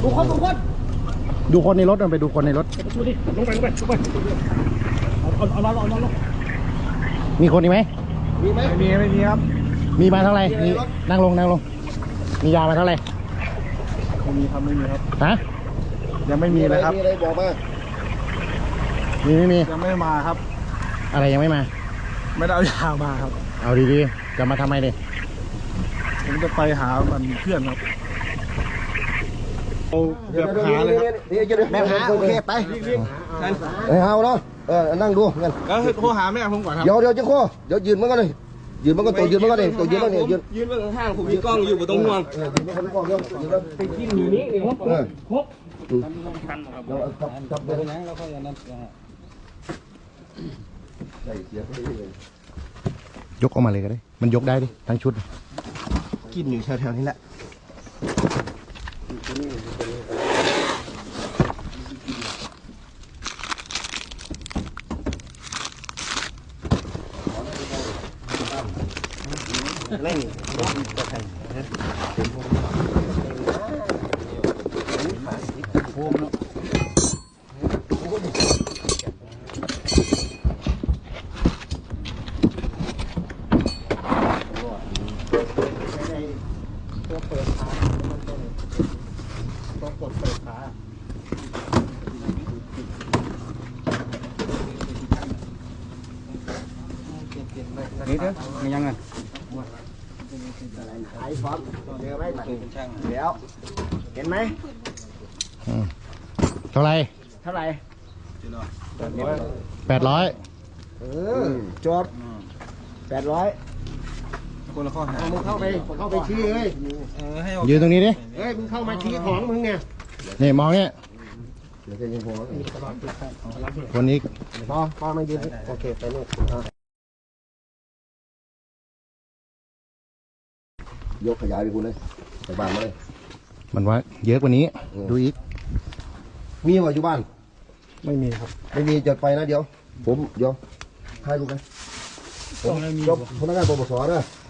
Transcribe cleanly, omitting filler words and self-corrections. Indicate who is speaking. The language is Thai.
Speaker 1: ดูคนในรถมันไปดูคนในรถดูดิลงไปเอามีคนอีกไหมมีไหมไม่มีครับมีมาเท่าไหร่นั่งลงมียามาเท่าไหร่ไม่มีครับฮะยังไม่มีเลยครับมีอะไรบอกมาไม่มียังไม่มาครับอะไรยังไม่มาไม่ได้เอายามาครับเอาดีๆจะมาทำไมเนี่ยผมจะไปหามันเพื่อนครับเกือบหาเลยครับแม่หาโอเคไปเอาเนาะนั่งดูกันก็โทรหาแม่ผมก่อนครับเดี๋ยวจะโค้เดี๋ยวยืนมันก็เลยยืนมันก็ตัวยืนมันก็เลยตัวยืนมันเนี่ยยืนมันข้างผมมีกล้องอยู่บนตรงห่วงยืนมันก็มีกล้องเดี๋ยวยืนแล้วไปกินอยู่นี่ครบจับเลยนะแล้วก็อย่างนั้นยกออกมาเลยก็ได้มันยกได้ดิทั้งชุดกินอยู่แถวๆนี้แหละเล่นนี่เด้อมียังไงไอ้ฟอมเจอไหมเดี๋ยวเห็นไหมเท่าไร800จบ800คนละข้อหามึงเข้าไปชี้เลยยืนตรงนี้ดิมึงเข้ามาชี้ของมึงเนี่ยนี่มองเนี่ยคนนี้พอไม่ยืนโอเคไปนู่นยกขยายไปคุณเลยไปบ้านมาเลยมันว่าเยอะกว่านี้ดูอีกมีว่าอยู่บ้านไม่มีครับไม่มีจะไปนะเดี๋ยวถ่ายรูปกันผมยกพนักงานปปสนะ